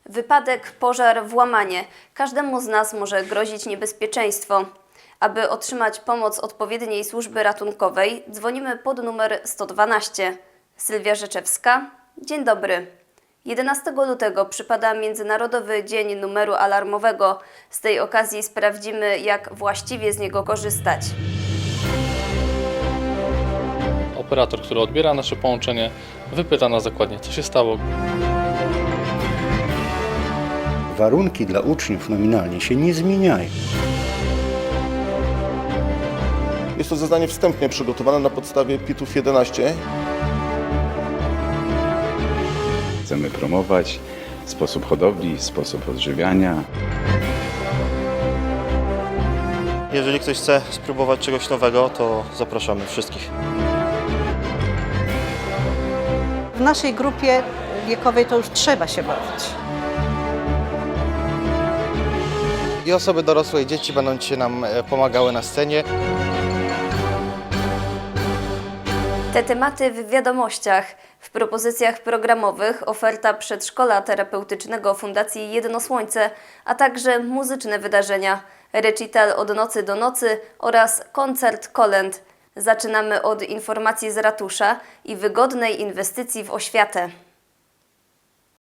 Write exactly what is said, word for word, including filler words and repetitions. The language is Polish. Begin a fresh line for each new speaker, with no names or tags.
Wypadek, pożar, włamanie. Każdemu z nas może grozić niebezpieczeństwo. Aby otrzymać pomoc odpowiedniej służby ratunkowej, dzwonimy pod numer sto dwanaście. Sylwia Rzeczewska. Dzień dobry. jedenastego lutego przypada Międzynarodowy Dzień Numeru Alarmowego. Z tej okazji sprawdzimy, jak właściwie z niego korzystać.
Operator, który odbiera nasze połączenie, wypyta nas dokładnie, co się stało.
Warunki dla uczniów nominalnie się nie zmieniają.
Jest to zeznanie wstępnie przygotowane na podstawie pitów jedenaście.
Chcemy promować sposób hodowli, sposób odżywiania.
Jeżeli ktoś chce spróbować czegoś nowego, to zapraszamy wszystkich.
W naszej grupie wiekowej to już trzeba się bawić.
I osoby dorosłe i dzieci będą dzisiaj nam pomagały na scenie.
Te tematy w wiadomościach. W propozycjach programowych oferta przedszkola terapeutycznego Fundacji Jedno Słońce, a także muzyczne wydarzenia, recital od nocy do nocy oraz koncert kolęd. Zaczynamy od informacji z ratusza i wygodnej inwestycji w oświatę.